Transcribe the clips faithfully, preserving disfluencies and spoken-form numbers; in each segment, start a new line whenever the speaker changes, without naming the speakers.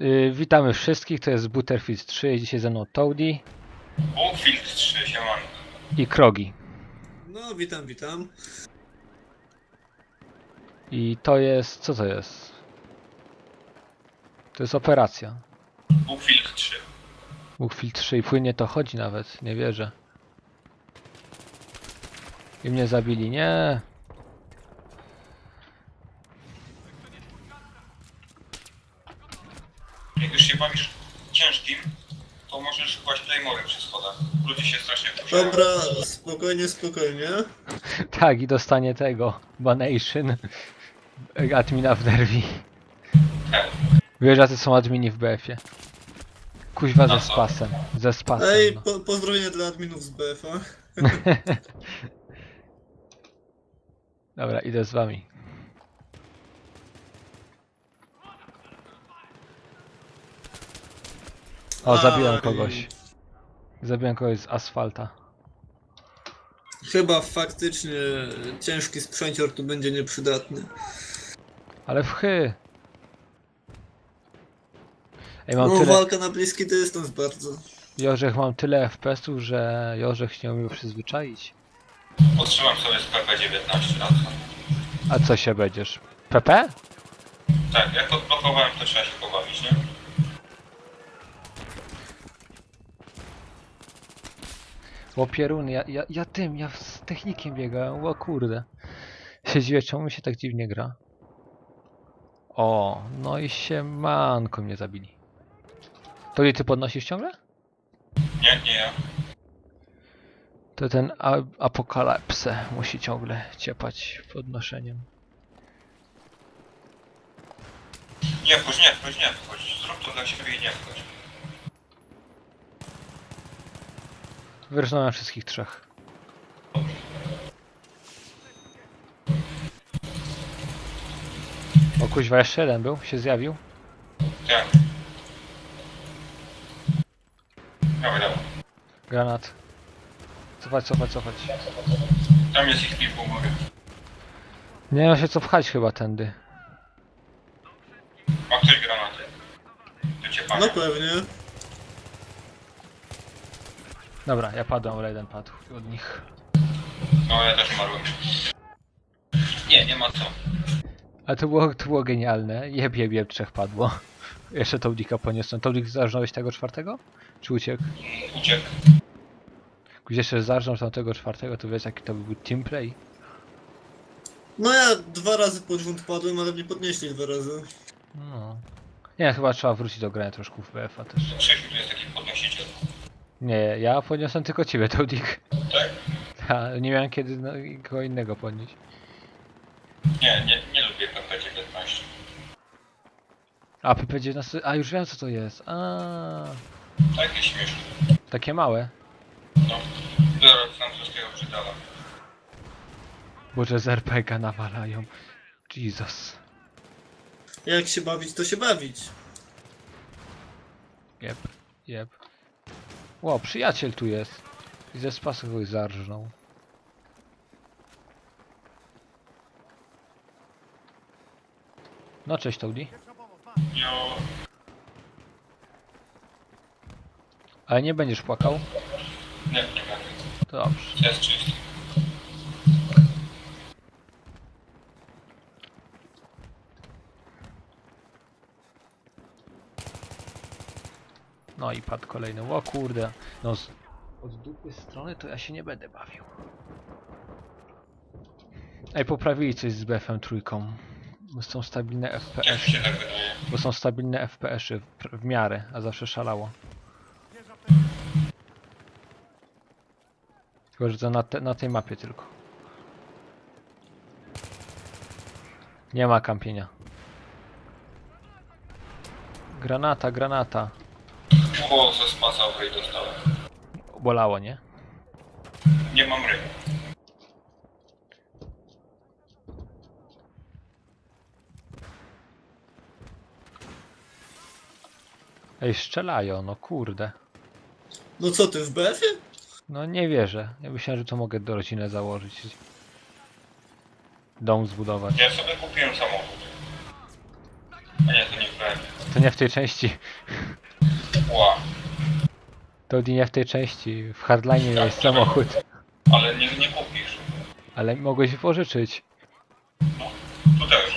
Yy, witamy wszystkich, to jest Butterfield trzy i dzisiaj ze mną Toady
Buckfield trzy, siemanko.
i Krogi.
No, witam, witam.
I to jest... co to jest? To jest operacja.
Buckfield trzy.
Butterfield trzy i płynnie to chodzi nawet, nie wierzę. I mnie zabili, nie.
Jak już się bawisz ciężkim, to możesz kłaść playmory przy schodach. Ludzie się strasznie wkurzają.
Dobra, spokojnie, spokojnie.
Tak, i dostanie tego. Banation. Admina w nerwi.
Tak.
Wiesz, jacy są admini w B F-ie. Kuźwa ze
No co?
spasem. Ze spasem.
Ej,
No.
po, pozdrowienia dla adminów z B F a.
Dobra, idę z wami. O, zabiłem
Aj.
kogoś. Zabiłem kogoś z asfalta.
Chyba faktycznie ciężki sprzęcior tu będzie nieprzydatny.
Ale w chy. Ej, mam
No,
tyle...
walka na bliski dystans bardzo.
Jorzech, mam tyle F P S-ów, że Jorzech się nie umiał przyzwyczaić.
Potrzymam sobie z P P dziewiętnaście lat.
A co się będziesz? P P?
Tak, jak odblokowałem, to trzeba się pobawić, nie?
O pierun, ja, ja, ja tym, ja z technikiem biegałem, o kurde. Się dziwię, czemu mi się tak dziwnie gra. O, no i się manko mnie zabili. To i ty podnosisz ciągle?
Nie, nie ja.
To ten a- apokalipsę musi ciągle ciepać podnoszeniem.
Nie wchodź, nie wchodź, nie wchodź. Zrób to dla siebie i nie wchodź.
Wyrżnąłem wszystkich trzech. O kuźwa, jeszcze jeden był, się zjawił.
Tak. Dawaj, dawaj.
Granat. Cofać, cofać, cofać.
Tam jest ich kilku, mówię.
Nie ma się co pchać chyba tędy.
Ma ktoś granaty? Do ciepania.
No pewnie.
Dobra, ja padłem, ale jeden padł od nich.
No, ja też umarłem. Nie, nie ma co.
Ale to było, to było genialne. Jeb, jeb, jeb, trzech padło. Jeszcze Toadika poniosłem. Toadik zarżnąłeś tego czwartego? Czy uciekł?
Uciekł.
Gdzieś jeszcze zarżnął tamtego czwartego, to wiesz jaki to był teamplay?
No ja dwa razy pod rząd padłem, ale mnie podnieśli dwa razy.
No. Nie, chyba trzeba wrócić do grania troszkę w B F a też.
Krzysiu tu jest taki podnosiciel.
Nie, ja podniosłem tylko ciebie, Toadik.
Tak?
Ja nie miałem kiedy no, kogo innego podnieść.
Nie, nie, nie lubię P P dziewiętnaście.
A P P dziewiętnaście, a już wiem co to jest. A,
Takie śmieszne.
takie małe.
No, biorę francuskiego brzydala.
Boże, z R P G nawalają. Jesus.
Jak się bawić, to się bawić.
Jeb, jeb. Ło, przyjaciel tu jest. I ze spasu kogoś zarżnął. No cześć Toady.
Jo,
Ale nie będziesz płakał?
nie, nie będę.
To dobrze.
Jest czysty.
No i padł kolejny. O kurde. No z... od dupy strony to ja się nie będę bawił. Ej, poprawili coś z B F M trójką. Bo są stabilne
Jak mi
F P S.
się tak wydaje.
Bo są stabilne F P S-y w, w miarę, a zawsze szalało. Tylko, że to na, te, na tej mapie tylko. Nie ma kampienia. Granata, granata.
O, ze spasa okej dostałem.
Bolało, nie?
Nie mam ryb.
Ej, strzelają, no kurde.
No co ty, w B F ie?
No nie wierzę. Ja myślałem, że to mogę do rodziny założyć. Dom zbudować.
Ja sobie kupiłem samochód. A nie, to nie w B F.
To nie w tej części.
Ła.
To nie w tej części. W Hardline
Tak,
jest
czekaj.
samochód.
Ale nie, nie kupisz.
Ale mogłeś pożyczyć.
No, tu też.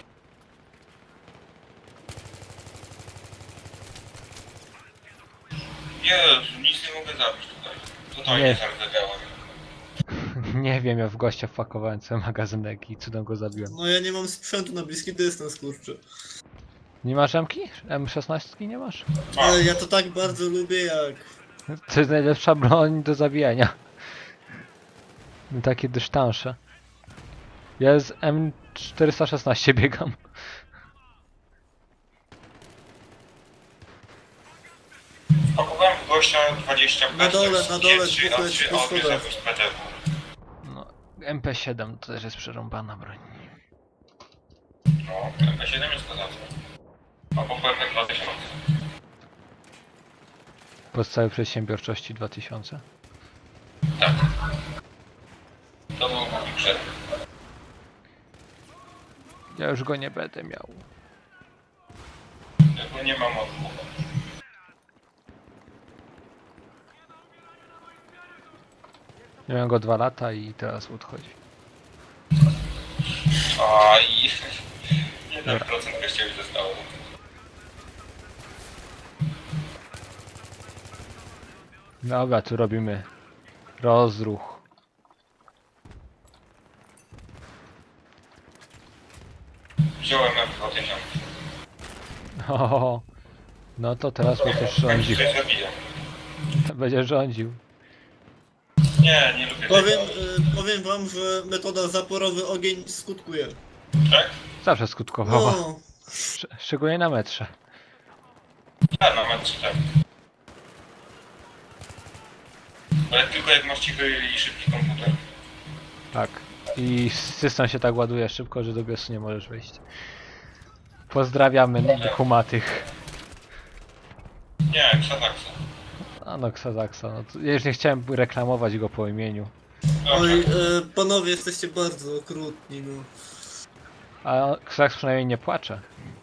Jezu, nic nie mogę zabić tutaj. Totalnie
Nie.
zardzewiałem.
Nie wiem, ja w gościa wpakowałem cały magazynek i cudem go zabiłem.
No ja nie mam sprzętu na bliski dystans, kurczę.
Nie masz M-ki? M szesnaście nie masz?
Mam.
Ale ja to tak bardzo lubię jak...
To jest najlepsza broń do zabijania. Takie dystansze. Ja z M czterysta szesnaście biegam.
Pakowałem w gościa dwadzieścia
Na dole, na dole,
trzy,
dwóch
a
leci
trzy
po
audio
schodach.
zabił z P T W.
No, M P siedem to też jest przerąbana broń.
No, M P siedem jest kozacka. Albo P P dwa tysiące.
Podstawy przedsiębiorczości dwa tysiące.
Tak. To był mój przed.
Ja już go nie będę miał.
Tego nie mam odwrót.
Miałem go dwa lata i teraz odchodzi.
A i... jeden procent gościa mi zostało.
Dobra, tu robimy rozruch.
Wziąłem M dwa tysiące.
O, no to teraz mnie też rządził.
Coś zabiję.
Będzie rządził.
Nie, nie lubię
Powiem,
tego.
y, powiem wam, że metoda zaporowy ogień skutkuje.
Tak?
Zawsze skutkowała.
No,
Szcz szczególnie na metrze.
Ja na mecz tak. Ale tylko jak masz cichy i szybki komputer.
Tak. I system się tak ładuje szybko, że do biosu nie możesz wejść. Pozdrawiamy humatych.
Nie, Xanaxa.
A no, Xazaxa. No, to ja już nie chciałem reklamować go po imieniu.
Dobrze.
oj, y, panowie, jesteście bardzo okrutni, no.
A Xazax przynajmniej nie płacze.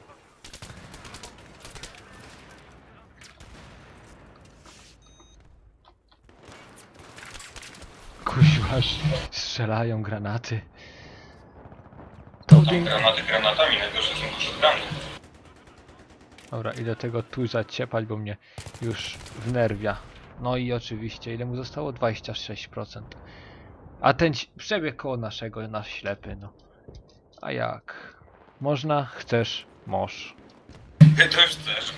Kuźwa, strzelają granaty. To
Tam granaty granatami, najgorsze są to shotguny.
Dobra, idę tego tu zaciepać, bo mnie już wnerwia. No i oczywiście, ile mu zostało? dwadzieścia sześć procent. A ten ci- przebieg koło naszego, nasz ślepy, no. A jak? Można? Chcesz? Możesz.
To już też.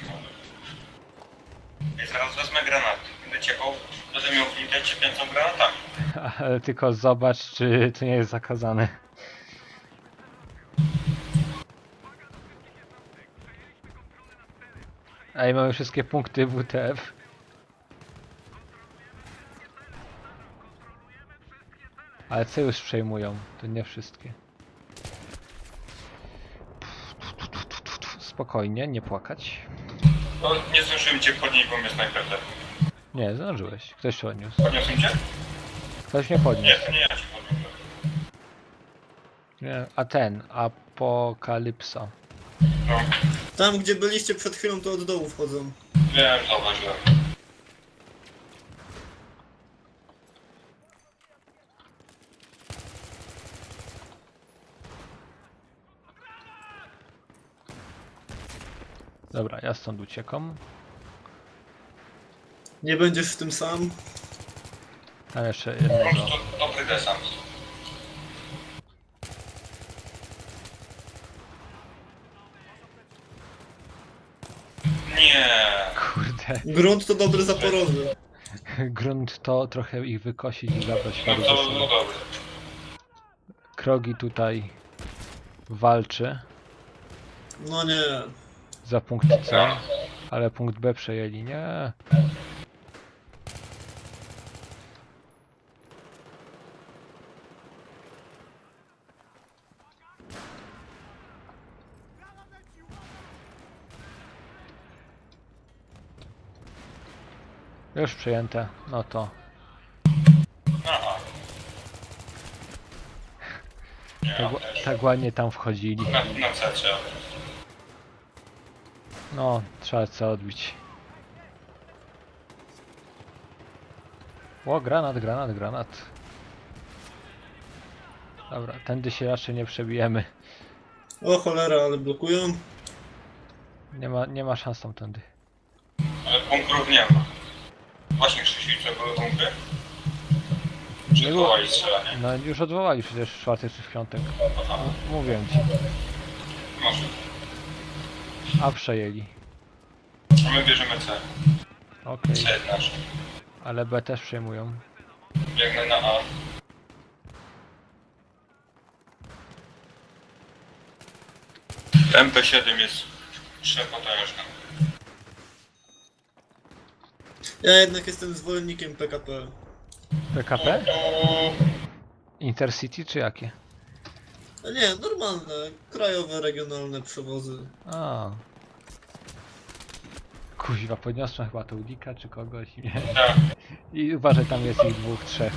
I zaraz wezmę granaty. Będę ciepał, będę miał flintę ciepiącą granatami.
Ale tylko zobacz, czy to nie jest zakazane. Ej, mamy wszystkie punkty W T F. Ale co już przejmują? To nie wszystkie. Spokojnie, nie płakać.
No, nie zdążyłem cię podnieść, bo mnie snajper zabił.
Nie, zdążyłeś. Ktoś się odniósł.
Podniosłem cię?
Ktoś mnie
Nie,
podniósł.
to nie ja cię podniosłem.
Nie, a ten, Apokalipsa.
No,
Tam, gdzie byliście przed chwilą, to od dołu wchodzą.
wiem, zauważyłem.
Dobra, ja stąd uciekam.
Nie będziesz w tym sam.
Tam jeszcze
Po
jednego.
prostu dobry desant. Nie.
Kurde.
Grunt to dobry zaporowy.
Grunt to trochę ich wykosić i zabrać
No
paru
to
ze
no
sobą.
dobry.
Krogi tutaj walczy
No nie.
za punkt C, ale punkt B przejęli. Nie. Już przejęte, no to
Aha. Nie,
tak,
ja
ła-
też.
tak ładnie tam wchodzili.
Na, na C trzeba.
No, trzeba co odbić. O, granat, granat, granat. Dobra, tędy się raczej nie przebijemy.
O cholera, ale blokują.
Nie ma, nie ma szans tamtędy.
Ale bunkrów nie ma. Właśnie Krzysiu, co były bunkry? Czy
Nie było.
odwołali strzelanie?
No już odwołali przecież w czwartek czy w piątek.
Aha,
Mówię ci.
może.
A przejęli.
A my bierzemy C.
Okej.
C nasz.
Ale B też przejmują.
Biegnę na A. M P siedem jest przepotężny.
Ja jednak jestem zwolennikiem P K P.
P K P?
O,
Intercity czy jakie?
A nie, normalne, krajowe, regionalne przewozy.
A. Kuźwa, podniosłem chyba to Udika czy kogoś. Nie.
tak.
I uważaj, tam jest ich dwóch, trzech.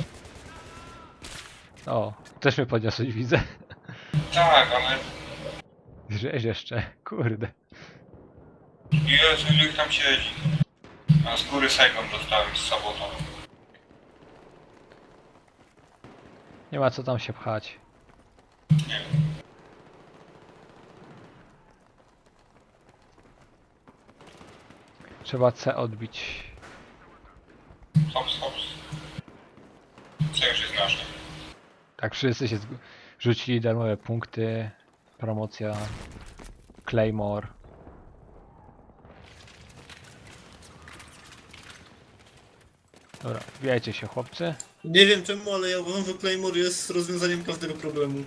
O, też mnie podniosłeś, widzę.
Tak, ale...
Żeś jeszcze, kurde.
Jezu, ile ich tam siedzi. A z góry Saigon dostałem z sabotą.
Nie ma co tam się pchać.
Nie.
Trzeba C odbić.
Hops, hops. Co już jest nasze.
Tak, wszyscy się zg- rzucili darmowe punkty. Promocja. Claymore. Dobra, wbijajcie się chłopcy.
Nie wiem czemu, ale ja uważam, że Claymore jest rozwiązaniem każdego problemu.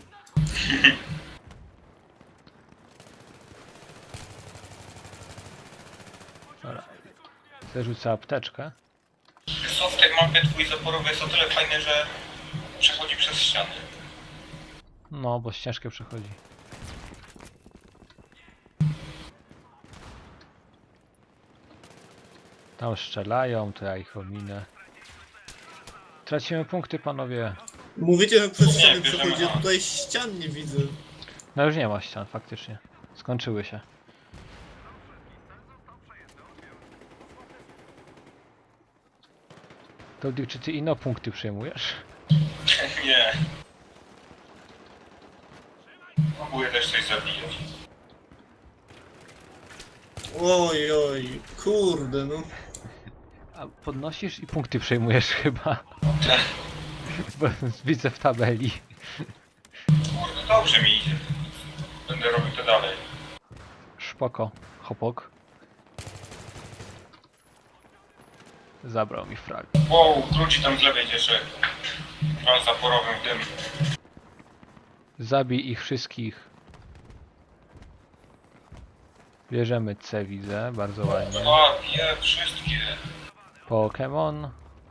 Dobra. Zerzucę apteczkę.
Wiesz co, w tej mapie twój zaporowy jest o tyle fajny, że przechodzi przez ściany.
No, bo ścieżkę przechodzi. Tam strzelają, to ja ich ominę. Tracimy punkty, panowie.
Mówicie, że przez
Nie,
ściany
bierzemy
przechodzi, a
A.
tutaj ścian nie widzę.
No już nie ma ścian, faktycznie. Skończyły się. To Dick, czy ty ino punkty przejmujesz?
Nie. Próbuję też coś zabijać.
Oj, oj, kurde no.
A podnosisz i punkty przejmujesz chyba. Bo widzę w tabeli.
Kurde, dobrze mi idzie. Będę robił to dalej.
Szpoko, hopok. Zabrał mi frag.
Wow, wróci tam z lewej jeszcze. A zaporowym w dym.
Zabij ich wszystkich. Bierzemy C, widzę, bardzo ładnie.
A, je, wszystkie.
Pokémon.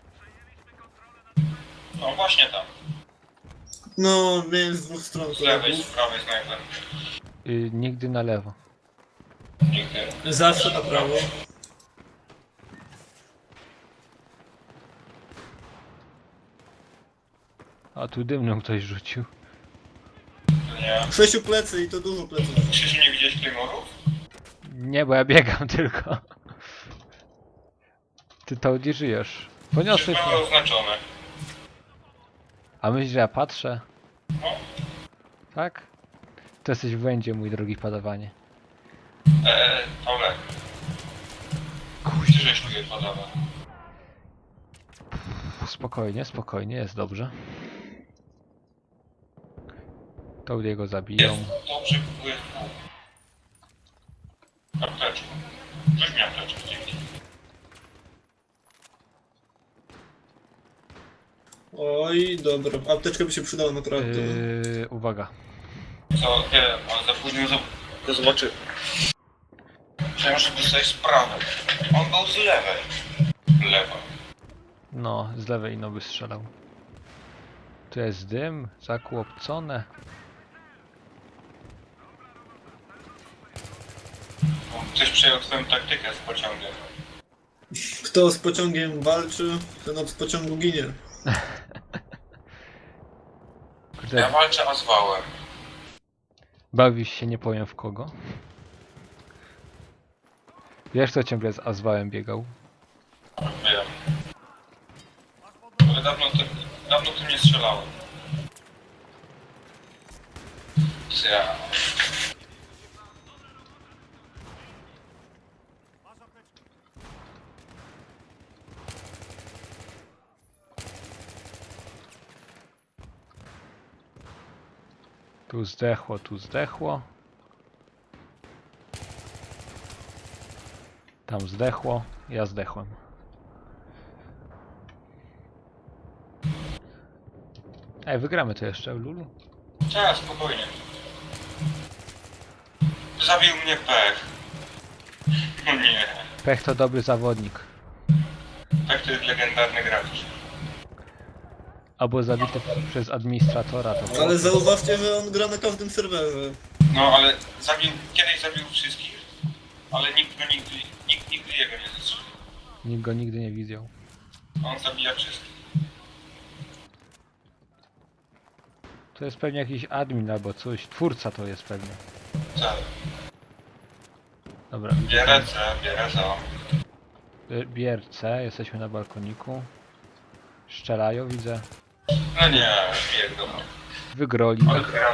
No właśnie tam.
No, miałem z dwóch stron
Z lewej, z
kolegów.
prawej snajper.
Y, nigdy na lewo.
Nigdy.
Zawsze na prawo.
A tu dymną ktoś rzucił.
Nie.
Sześciu plecy i to dużo pleców.
Krzysiu, nie widziałeś Claymorów?
Nie, bo ja biegam tylko. Ty to nie żyjesz. Poniosłeś
Przecież
mnie.
były oznaczone.
A myślisz, że ja patrzę?
No.
Tak? To jesteś w błędzie, mój drogi padawanie.
Eee, Olek. Gdzie żeś tu je podawał?
Spokojnie, spokojnie, jest dobrze. To jego zabiją.
Jest dobrze, próbuję tu. Apteczkę. Rzuć mi apteczkę, dzięki.
Oj, dobra, apteczka by się przydała naprawdę.
Yy, uwaga.
Co? Nie, ale za późno za... to zobaczy. Chciałem, żeby sobie z prawej. On był z lewej. Lewa.
No, z lewej no by strzelał. Tu jest dym, zakłopcone.
Ktoś przejął twoją taktykę z pociągiem.
Kto z pociągiem walczy, ten od pociągu ginie.
Kurde,
Ja walczę, a z wałem.
bawisz się nie powiem w kogo. Wiesz, co ciągle z Azwałem biegał?
Wiem. Ale dawno, ty, dawno tym nie strzelałem. Co ja...
Tu zdechło, tu zdechło. Tam zdechło, ja zdechłem. Ej, wygramy to jeszcze, Lulu?
Tak, spokojnie. Zabił mnie pech. No nie.
Pech to dobry zawodnik.
Pech to jest legendarny gracz.
Albo zabity przez administratora. To było-
Ale zauważcie, że on gra na każdym serwerze.
No ale zabił, kiedyś zabił wszystkich, ale nikt go nigdy, nikt nigdy jego nie zastrzelił.
Nikt go nigdy nie widział.
On zabija wszystkich.
To jest pewnie jakiś admin albo coś. Twórca to jest pewnie.
Co?
Dobra,
Bierę C, bierę za.
Bi- bierce, jesteśmy na balkoniku. Strzelają, widzę.
No nie, biegną.
Wygroli.
Ale gram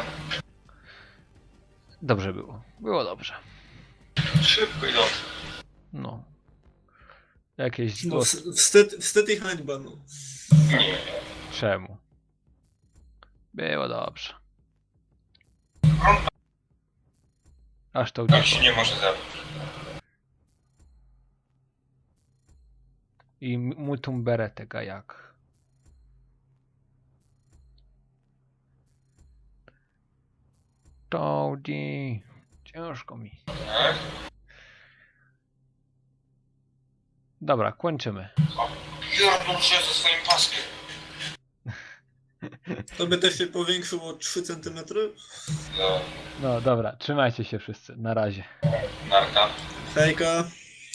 Dobrze było. Było dobrze.
szybko i dobrze.
No. Jakieś
No,
zgłos...
wst- wstyd, wstyd i hańba, no.
Nie.
Czemu? Było dobrze. Aż to
Tak się
uciekło.
nie może zabić.
I m- multum beretega jak. Toadie. Ciężko mi.
Tak?
Dobra, kończymy.
Pierdol się ze swoim paskiem.
To by też się powiększyło o trzy centymetry.
No,
No dobra, trzymajcie się wszyscy. Na razie.
narka.
Hejka.